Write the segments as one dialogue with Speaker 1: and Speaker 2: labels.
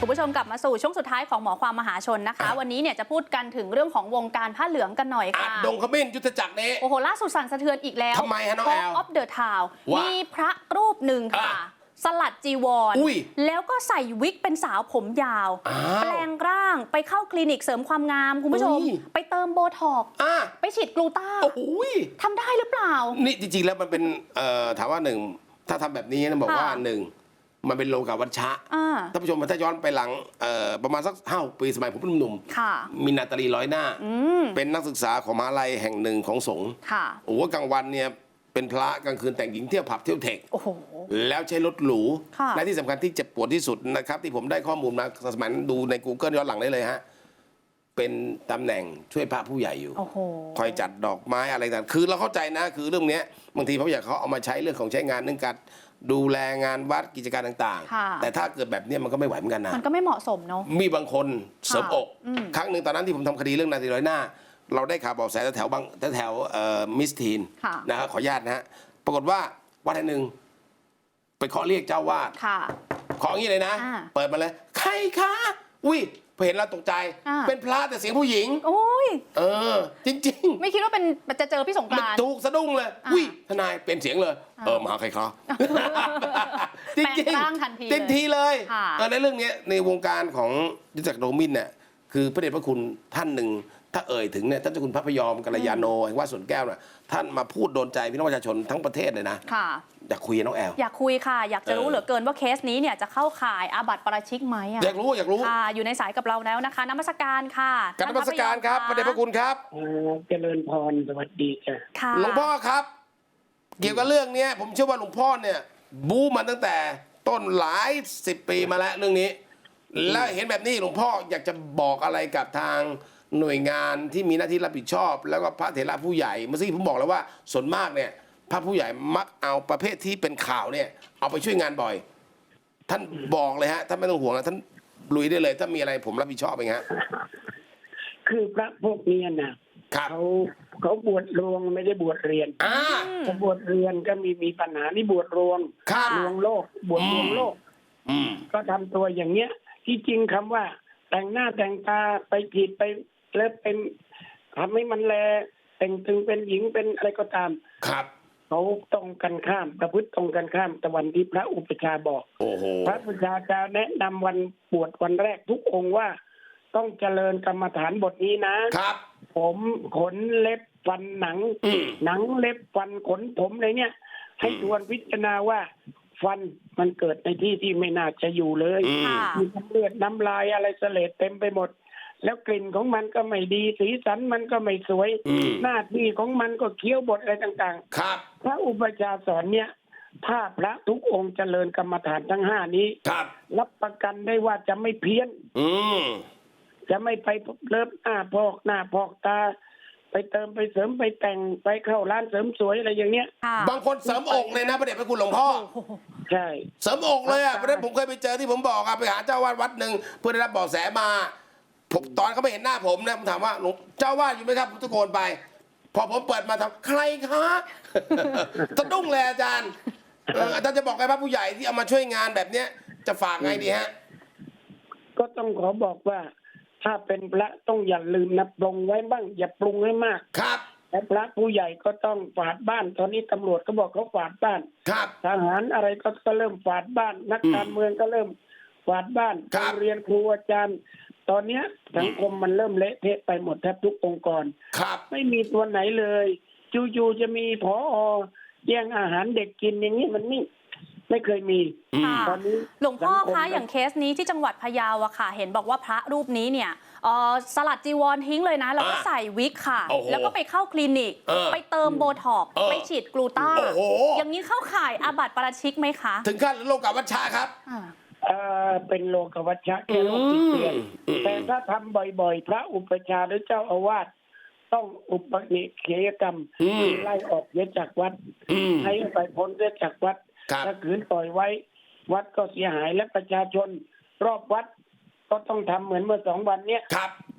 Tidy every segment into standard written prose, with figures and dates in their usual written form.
Speaker 1: คุณผู้ชมกลับมาสู่ช่วงสุดท้ายของหมอความมหาชนนะคะวันนี้เนี่ยจะพูดกันถึงเรื่องของวงการผ้าเหลืองกันหน่อยค่ะ
Speaker 2: ดงขมิ้นยุทธจักรนี้
Speaker 1: โอ้โหล่าสุดสั่นสะเทือนอีกแล้ว
Speaker 2: ทำไมฮะน้องแอล
Speaker 1: Talk of the Town มีพระรูปหนึ่งค่ะสลัดจีวรแล้วก็ใส่วิกเป็นสาวผมยาวแปลงร่างไปเข้าคลินิกเสริมความงามคุณผู้ชมไปเติมโบท็อกซ์ไปฉีดกลูต้าทำได้หรือเปล่า
Speaker 2: นี่จริงๆแล้วมันเป็นถามว่าหนึ่งถ้าทำแบบนี้นะบอกว่าหนึ่งมันเป็นโลกาวัชชะท่านผู้ชมถ้าย้อนไปหลังประมาณสัก5 ปีสมัยผมเป็นหนุ่มมีนาตาลีร้อยหน้าเป็นนักศึกษาของมหาลัยแห่งหนึ่งของสงฆ์โอ้โหกลางวันเนี่ยเป็นพระกลางคืนแต่งหญิงเที่ยวผับเที่ยวเทคแล้วใช้รถหรูและที่สำคัญที่เจ็บปวดที่สุดนะครับที่ผมได้ข้อมูลมาสมัยดูใน Google ย้อนหลังได้เลยฮะเป็นตำแหน่งช่วยพระผู้ใหญ่อยู่คอยจัดดอกไม้อะไรต่างคือเราเข้าใจนะคือเรื่องนี้บางทีพระผู้ใหญ่เขาเอามาใช้เรื่องของใช้งานเรื่องการดูแลงานวัดกิจการต่างๆแต่ถ้าเกิดแบบนี้มันก็ไม่ไหวเหมือนกันนะ
Speaker 1: มันก็ไม่เหมาะสมเนาะ
Speaker 2: มีบางคนเสริมอกครั้งหนึ่งตอนนั้นที่ผมทำคดีเรื่องนาทีร้อยหน้าเราได้ข่าวบอกแสแถวบางแถวมิสทีนนะครับขออนุญาตนะฮะปรากฏว่าวัดแห่งหนึ่งไปขอเรียกเจ้าวาดขออย่างนี้เลยนะเปิดมาเลยใครคะอุ้ยพอเห็นเราตกใจเป็นพระแต่เสียงผู้หญิง
Speaker 1: โอ้ย
Speaker 2: จริง
Speaker 1: ๆไม่คิดว่าเป็นจะเจอพี่สงกรานต์
Speaker 2: ถูกสะดุ้งเลยอุ้ยทนายเป็นเสียงเลยมาหาใครคะจริงทันทีเลยในเรื่องนี้ในวงการของยุทธจักรโดมินเนี่ยคือพระเดชพระคุณท่านหนึ่งถ้าเอ่ยถึงเนี่ยท่านเจ้าคุณพระพยอมกัลยาโนแห่งวัดสวนแก้วน่ะท่านมาพูดโดนใจพี่น้องประชาชนทั้งประเทศเลยนะอยากคุยน้องแอล
Speaker 1: อยากคุยค่ะอยากจะรู้เหลือเกินว่าเคสนี้เนี่ยจะเข้าข่ายอาบัติปาราชิกไหม
Speaker 2: อยากรู้
Speaker 1: ค่ะอยู่ในสายกับเราแล้วนะคะนมัสการค่ะ
Speaker 2: นมัสการครับพระเดชพระคุณครับ
Speaker 3: เจริญพรสวัสดี
Speaker 1: ค่ะ
Speaker 2: หลวงพ่อครับเกี่ยวกับเรื่องนี้ผมเชื่อว่าหลวงพ่อเนี่ยบู๊มาตั้งแต่ต้นหลาย10 ปีมาแล้วเรื่องนี้แล้วเห็นแบบนี้หลวงพ่ออยากจะบอกอะไรกับทางหน่วยงานที่มีหน้าที่รับผิดชอบแล้วก็พระเถระผู้ใหญ่เมื่อกี้ผมบอกแล้วว่าส่วนมากเนี่ยพระผู้ใหญ่มักเอาประเภทที่เป็นข่าวเนี่ยเอาไปช่วยงานบ่อยท่านบอกเลยฮะท่านไม่ต้องห่วงนะท่านลุยได้เลยถ้ามีอะไรผมรับผิดชอบเองฮะ
Speaker 3: คือพระพวกนี้นะเขาบวชรวงไม่ได้บวชเรียนเขาบวชเรียนก็มีปัญหานี่บวชรวงรวงโลกบวชรวงโลกก็ทำตัวอย่างเงี้ยที่จริงคำว่าแต่งหน้าแต่งตาไปผิดไปแล้วเป็นทำให้มันแลแต่งตึงเป็นหญิงเป็นอะไรก็ตาม
Speaker 2: ครับ
Speaker 3: เขาตรงกันข้ามประพฤติตรงกันข้ามแต่วันที่พระอุปชาบอกพระอุปชาจะแนะนำวันบวชวันแรกทุกองค์ว่าต้องเจริญกรรมฐานบทนี้นะครับผมขนเล็บฟันหนังเล็บฟันขนผมอะไรเนี่ยให้ทวนพิจารณาว่าฟันมันเกิดในที่ที่ไม่น่าจะอยู่เลยมีเลือดน้ำลายอะไรเสลดเต็มไปหมดแล้วกลิ่นของมันก็ไม่ดีสีสันมันก็ไม่สวยหน้าที่ของมันก็เคี้ยวบทอะไรต่าง
Speaker 2: ๆครับ
Speaker 3: พระอุปชาสอนเนี่ยถ้าพระทุกองค์เจริญกรรมฐานทั้ง5นี้รับประกันได้ว่าจะไม่เพี้ยนจะไม่ไปเลิฟหน้าพอกตาไปเติมไปเสริมไปแต่งไปเข้าร้านเสริมสวยอะไรอย่างเนี้ย
Speaker 2: บางคนเสริมอกเลยนะพระเดชพระคุณหลวงพ่อ
Speaker 3: ใช่
Speaker 2: เสริมอกเลยอ่ะเพราะฉะนั้นผมเคยไปเจอที่ผมบอกไปหาเจ้าวาดวัดหนึ่งเพื่อได้รับเบาะแสมาตอนเขาไม่เห็นหน้าผมนะผมถามว่าหลวงเจ้าวาดอยู่ไหมครับผมตะโกนไปพอผมเปิดมาถามใครคะสะดุ้งเลยอาจารย์อาจารย์จะบอกไงพระผู้ใหญ่ที่เอามาช่วยงานแบบเนี้ยจะฝากไงดีฮะ
Speaker 3: ก็ต้องขอบอกว่าถ้าเป็นพระต้องอย่าลืมนะปรุงไว้บ้างอย่าปรุงให้มาก
Speaker 2: ครับ
Speaker 3: และพระผู้ใหญ่ก็ต้องฝาดบ้านตอนนี้ตำรวจก็บอกเขาฝาดบ้าน
Speaker 2: ครับ
Speaker 3: ทหารอะไรก็เริ่มฝาดบ้านนักการเมืองก็เริ่มฝาดบ้านโรงเรียนครูอาจารย์ตอนนี้สังคมมันเริ่มเละเทะไปหมดแทบทุกองค์กร
Speaker 2: ครับ
Speaker 3: ไม่มีตัวไหนเลยจู่ๆจะมีผอ.แย่งอาหารเด็กกินอย่างนี้มันไม่เคยมี
Speaker 1: ตอนนี้หลวงพ่อคะอย่างเคสนี้ที่จังหวัดพะเยาอะค่ะเห็นบอกว่าพระรูปนี้เนี่ยสลัดจีวรทิ้งเลยนะแล้วก็ใส่วิกค่ะแล้วก็ไปเข้าคลินิกไปเติมโบท็อกซ์ไปฉีดกลูต้าอย่างนี้เข้าข่ายอาบัติปาราชิกไหมคะ
Speaker 2: ถึงขั้นโลกาวัชชะครับ
Speaker 3: เป็นโลกวัชชะแค่โลกติดเตียนแต่ถ้าทำบ่อยๆพระอุปชาหรือเจ้าอาวาสต้องอุปนิเขยกรรมไล่ออกเสียจากวัดให้ไปพ้นเสียจากวัดถ้าขืนปล่อยไว้วัดก็เสียหายและประชาชนรอบวัดก็ต้องทำเหมือนเมื่อ2 วันเนี้ย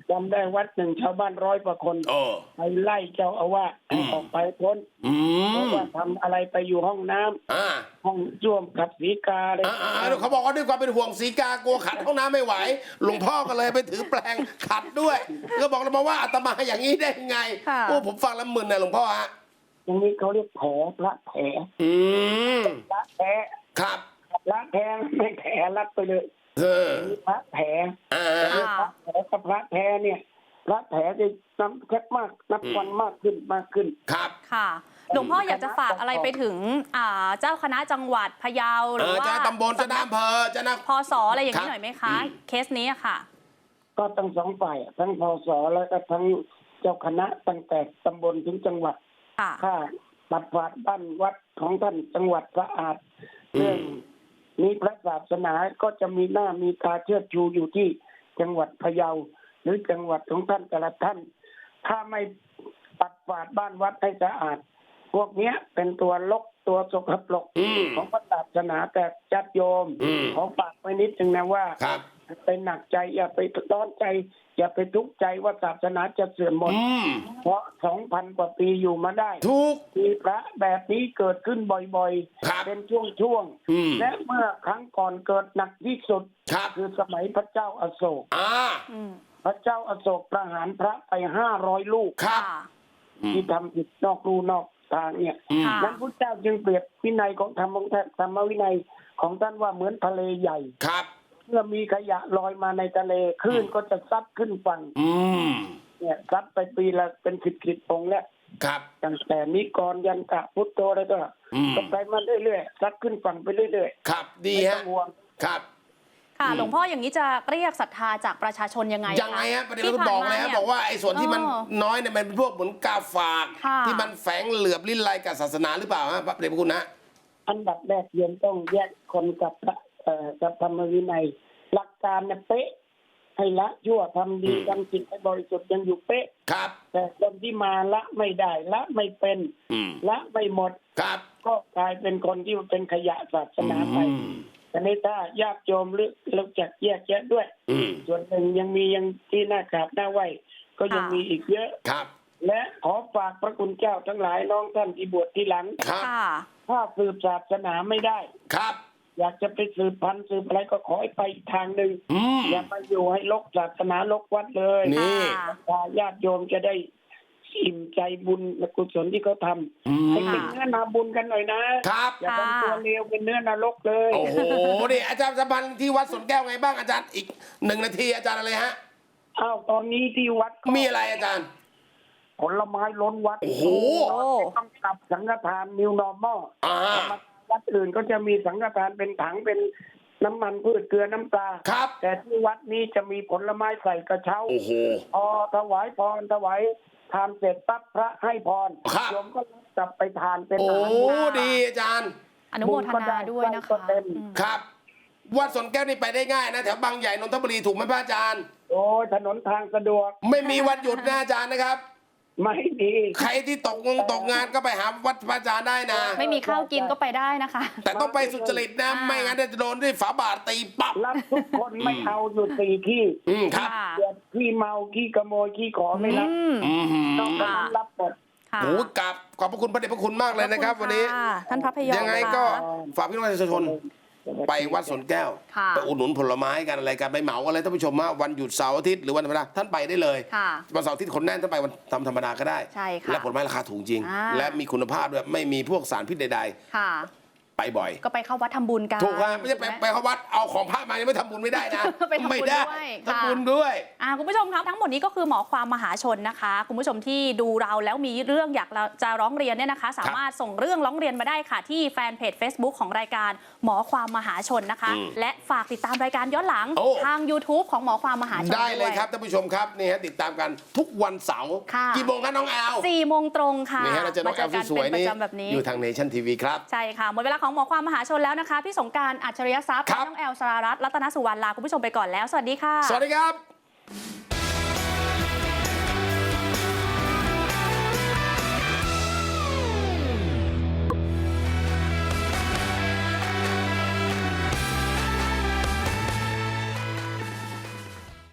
Speaker 3: จำได้วัดหนึ่งชาวบ้าน100 กว่าคนไปไล่เจ้าอาวาสให้ออกไปพ้นเพราะว่าทำอะไรไปอยู่ห้องน้ำห้องส้วมขัดสีกาเลย
Speaker 2: เขาบอกว่าด้วยความเป็นห่วงสีกากลัวขัดห้องน้ำไม่ไหวหลวงพ่อก็เลยไปถือแปลงขัดด้วยก็บอกเรามาว่าอาตมาอย่างนี้ได้ยังไงโอ้ผมฟังแล้วมึนนะหลวงพ่อฮะ
Speaker 3: อย่างนี้เขาเรียกแผลพระแผลพระแผล
Speaker 2: ครับ
Speaker 3: พระแผลไม่แผลรัดไปเลยพระแผลพระแผลกับพระแผลเนี่ยพระแผลจะนับแค่มากนับวันมากขึ้น
Speaker 2: ครับ
Speaker 1: ค่ะหลวงพ่ออยากจะฝากอะไรไปถึงเจ้าคณะจังหวัดพะเยาหรือว่า
Speaker 2: เจ้าตำบลเจ้าอำเภอเจ้า
Speaker 1: พศอะไรอย่างนี้หน่อยไหมคะเคสนี้ค่ะ
Speaker 3: ก็ทั้งสองฝ่ายทั้งพศแล้วก็ทั้งเจ้าคณะตั้งแต่ตำบลถึงจังหวัดถ้าปัดกวาดบ้านวัดของท่านจังหวัดสะอาดเรื่องนี้พระศาสนาก็จะมีหน้ามีตาเชิดชูอยู่ที่จังหวัดพะเยาหรือจังหวัดของท่านแต่ละท่านถ้าไม่ปัดกวาดบ้านวัดให้สะอาดพวกนี้เป็นตัวลกตัวสกปรกของพระศาสนาแต่ญาติโยมขอฝากไว้นิดนึงนะว่าไปหนักใจอย่าไปร้อนใจอย่าไปทุกข์ใจว่าศาสนาจะเสื่อมหมดเพราะ 2,000 กว่าปีอยู่มาได้มีพระแบบนี้เกิดขึ้นบ่อยๆเป็นช่วงๆและเมื่อครั้งก่อนเกิดหนักที่สุดคือสมัยพระเจ้าอโศกพระเจ้าอโศกประหารพระไป500 ลูกที่ทำผิดนอกรูนอกทางเนี่ยนั้นพระเจ้าจึงเปรียบวินัยของธรรมวินัยของท่านว่าเหมือนทะเลใหญ่เมื่อมีขยะลอยมาในทะเลคลื่นก็จะซัดขึ้นฝั่งเนี่ยซัดไปปีละเป็น10 องค์แล้วตั้งแต่นิกรยันตะพุทโธอะไรก็ไปมาเรื่อยๆซัดขึ้นฝั่งไปเรื่อย
Speaker 2: ๆครับดีฮะครับ
Speaker 1: ค่ะหลวงพ่ออย่างนี้จะเรียกศรัทธาจากประชาชนยังไง
Speaker 2: ฮะประเด็นเราบอกเลยฮะบอกว่าไอ้ส่วนที่มันน้อยเนี่ยมันเป็นพวกเหมือนกาฝากที่มันแฝงเหลือบลิ้นลายกับศาสนาหรือเปล่าฮะพระเดชพระคุณนะ
Speaker 3: อันดับแรกโยมต้องแยกคนกับธรรมวินัยหลักการเนี่ยเป๊ะให้ละชั่วทำดีทำจิตให้บริสุทธิ์ยังอยู่เป๊ะแต่คนที่มาละไม่ได้ละไม่เป็นละไม่หมดก็กลายเป็นคนที่เป็นขยะศาสนาไปแต่ในถ้าญาติโยมรู้จักแยกแยะด้วยส่วนหนึ่งยังมียังที่น่ากราบน่าไหวก็ยังมีอีกเยอะและขอฝากพระคุณเจ้าทั้งหลายน้องท่านที่บวชที่หลังถ้าสืบศาสนาไม่ได้อยากจะไปสืบพันธุ์สืบอะไรก็ขอให้ไปอีกทางหนึ่งอย่ามาอยู่ให้ลกศาสนาลกวัดเลยญาติโยมจะได้อิ่มใจบุญและกุศลที่เขาทำให้เป็นเนื้อนาบุญกันหน่อยนะอย่าทำตัวเลวเป็นเนื้อนรกเลย
Speaker 2: โอ้โหนี่อาจารย์สัมพันธ์ที่วัดสวนแก้วไงบ้างอาจารย์อีก1 นาทีอาจารย์อะไรฮะ
Speaker 3: ตอนนี้ที่วัด
Speaker 2: มีอะไรอาจารย์
Speaker 3: ผลไม้ล้นวัด
Speaker 2: โอ้โห
Speaker 3: ต้องกลับสังฆทาน New Normal วัดอื่นก็จะมีสังฆทานเป็นถังเป็นน้ำมันพืชเกลือน้ำปลาแต่ที่วัดนี้จะมีผลไม้ใส่กระเช้าพอถวายพรถวายทานเสร็จปั๊บพระให้พรโยมก็กลับไปทานเป็นอาหาร
Speaker 2: ดีอาจารย์
Speaker 1: อนุโมทนาด้วยนะคะ
Speaker 2: ครับวัดสวนแก้วนี่ไปได้ง่ายนะแถวบางใหญ่นนทบุรีถูกไหมพระอาจารย์
Speaker 3: โอ้ถนนทางสะดวก
Speaker 2: ไม่มีวันหยุดนะอาจารย์นะครับ
Speaker 3: ไม่ดี
Speaker 2: ใครที่ตกงานก็ไปหาวัดพระอาจารย์ได้นะ
Speaker 1: ไม่มีข้าวกินก็ไปได้นะคะ
Speaker 2: แต่ต้องไปสุจริตนะไม่งั้นจะโดนด้วยฝาบาทตีปั๊บ
Speaker 3: รับทุกคนไม่เอาอยู่4 ที่
Speaker 2: ครับ
Speaker 3: ขี้เมาขี้ขโมยขี้ขอไม่รับต้องรับหมด
Speaker 2: โอ้กับขอบพระคุณพระเดชพระคุณมากเลยนะครับวันนี้
Speaker 1: ท่านพระพยอม
Speaker 2: ยังไงก็ฝากพี่น้องประชาชนไปวัดสวนแก้วไปอุดหนุนผลไม้กันอะไรกันไปเหมาอะไรท่านผู้ชมว่าวันหยุดเสาร์อาทิตย์หรือวันธรรมดาท่านไปได้เลยวันเสาร์อาทิตย์คนแน่นท่านไปวันธรรมดาก็ได้และผลไม้ราคาถูกจริงและมีคุณภาพด้วยไม่มีพวกสารพิษใดๆไปบ่อย
Speaker 1: ก็ไปเข้าวัดทำบุญกัน
Speaker 2: ถูกครับไม่ใช่ไปเข้าวัดเอาของพระมายังไม่ทำบุญไม่ได้นะไม่ได้ทำบุญด้วย
Speaker 1: คุณผู้ชมครับทั้งหมดนี้ก็คือหมอความมหาชนนะคะคุณผู้ชมที่ดูเราแล้วมีเรื่องอยากจะร้องเรียนเนี่ยนะคะสามารถส่งเรื่องร้องเรียนมาได้ค่ะที่แฟนเพจ Facebook ของรายการหมอความมหาชนนะคะและฝากติดตามรายการย้อนหลังทาง YouTube ของหมอความมหาชน
Speaker 2: ได้เลยครับท่านผู้ชมครับนี่ฮะติดตามกันทุกวันเสาร์กี่โมงคะน้องแอล
Speaker 1: 4 โมงตรงค่ะ
Speaker 2: นี่ฮะเราจะน้องแอลสวยนี่อยู่ทาง Nation TV ครับ
Speaker 1: ใช่ค่ะหมดเวลาของหมอความมหาชนแล้วนะคะพี่สงกรานต์ อัจฉริยทรัพย์น้องแอล สรารัตน์ รัตนสุวรรณลาคุณผู้ชมไปก่อนแล้วสวัสดีค่ะ
Speaker 2: สวัสดีครับ